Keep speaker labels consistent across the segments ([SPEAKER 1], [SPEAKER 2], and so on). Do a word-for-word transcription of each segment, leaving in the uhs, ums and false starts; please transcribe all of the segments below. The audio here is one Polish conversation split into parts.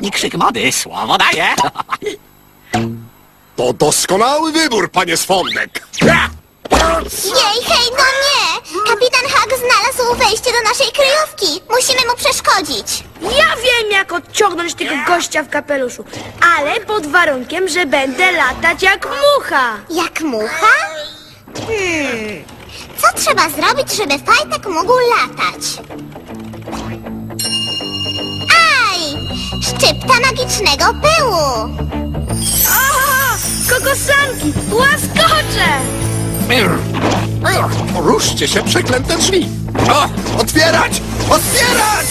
[SPEAKER 1] ostatni krzyk mody. Słowo daję.
[SPEAKER 2] To doskonały wybór, panie Swądek.
[SPEAKER 3] Jej, hej, no nie! Kapitan Hak znalazł wejście do naszej kryjówki. Musimy mu przeszkodzić.
[SPEAKER 4] Ja wiem, jak odciągnąć tego gościa w kapeluszu, ale pod warunkiem, że będę latać jak mucha.
[SPEAKER 3] Jak mucha? Hmm... Co trzeba zrobić, żeby fajtek mógł latać? Aj! Szczypta magicznego pyłu!
[SPEAKER 4] Aha! Kokosanki! Łaskocze!
[SPEAKER 2] Ruszcie się, przeklęte drzwi. O, otwierać! Otwierać!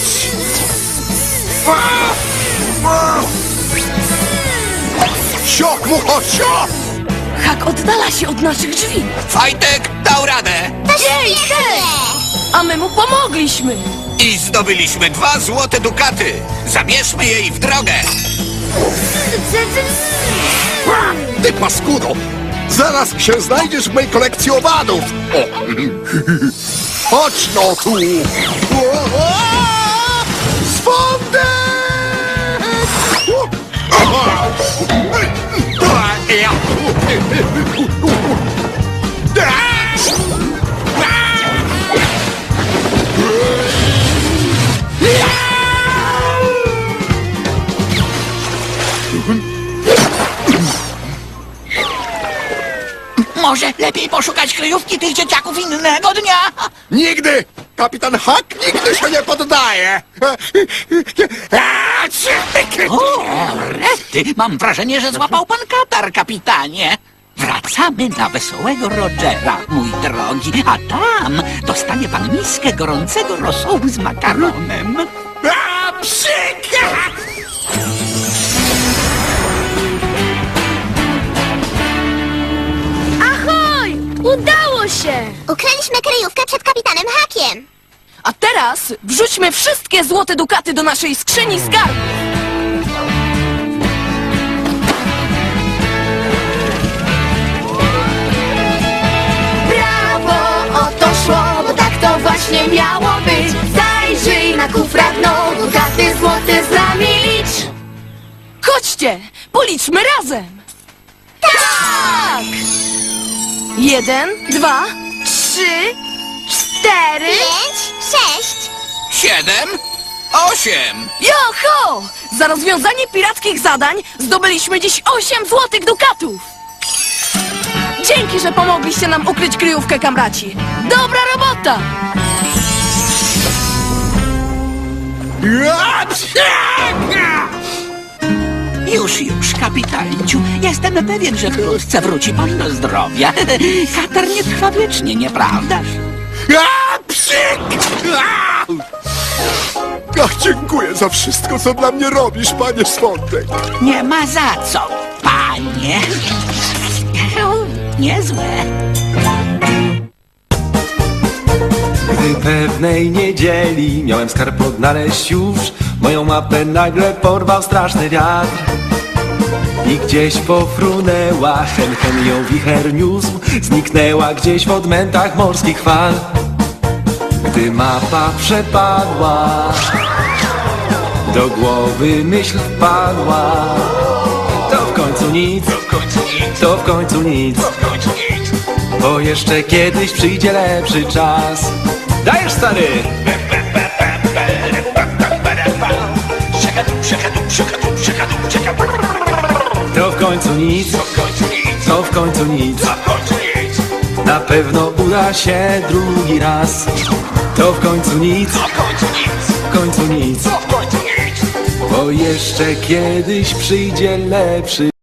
[SPEAKER 2] Sio, mucho, sio!
[SPEAKER 5] Hak oddala się od naszych drzwi,
[SPEAKER 6] Fajtek dał radę
[SPEAKER 3] To świetnie!
[SPEAKER 5] a my mu pomogliśmy.
[SPEAKER 6] i zdobyliśmy dwa złote dukaty. Zabierzmy jej w drogę.
[SPEAKER 2] Ty paskudo! Zaraz się znajdziesz w mojej kolekcji owadów! O. Chodź no tu! O, o! Swądek! O! Aha!
[SPEAKER 1] Może lepiej poszukać kryjówki tych dzieciaków innego dnia?
[SPEAKER 2] Nigdy! Kapitan Hak nigdy się nie poddaje!
[SPEAKER 1] O, rety, mam wrażenie, że złapał pan katar, kapitanie. Wracamy na Wesołego Rogera, mój drogi, a tam dostanie pan miskę gorącego rosołu z makaronem.
[SPEAKER 2] A, psik!
[SPEAKER 4] Ahoj! Udało się!
[SPEAKER 3] Ukryliśmy kryjówkę przed kapitanem Hakiem.
[SPEAKER 5] A teraz wrzućmy wszystkie złote dukaty do naszej skrzyni skarbów.
[SPEAKER 7] Brawo, o to szło, bo tak to właśnie miało być. Zajrzyj na kufra dno, dukaty złote z nami licz.
[SPEAKER 5] Chodźcie, policzmy razem. Tak! Jeden, dwa,
[SPEAKER 4] Trzy, cztery...
[SPEAKER 3] Pięć, sześć.
[SPEAKER 6] Siedem, osiem.
[SPEAKER 5] Joho! Za rozwiązanie pirackich zadań zdobyliśmy dziś osiem złotych dukatów. Dzięki, że pomogliście nam ukryć kryjówkę, kamraci. Dobra robota!
[SPEAKER 2] A, psik!
[SPEAKER 1] Już, już, kapitanciu. Jestem pewien, że wkrótce wróci pan do zdrowia. Katar nie trwa wiecznie, nieprawdaż?
[SPEAKER 2] A, psik! A! Ach, dziękuję za wszystko, co dla mnie robisz, panie Swądek.
[SPEAKER 1] Nie ma za co, panie. Niezłe.
[SPEAKER 8] Gdy pewnej niedzieli miałem skarb odnaleźć już, moją mapę nagle porwał straszny wiatr. I gdzieś pofrunęła, hen hen ją wicher niósł, zniknęła gdzieś w odmętach morskich fal. Gdy mapa przepadła, do głowy myśl wpadła, to w końcu nic, to w końcu nic, bo jeszcze kiedyś przyjdzie lepszy czas. Dajesz, stary! To w końcu nic, to w końcu nic, na pewno uda się drugi raz. To w końcu nic, w końcu nic, bo jeszcze kiedyś przyjdzie lepszy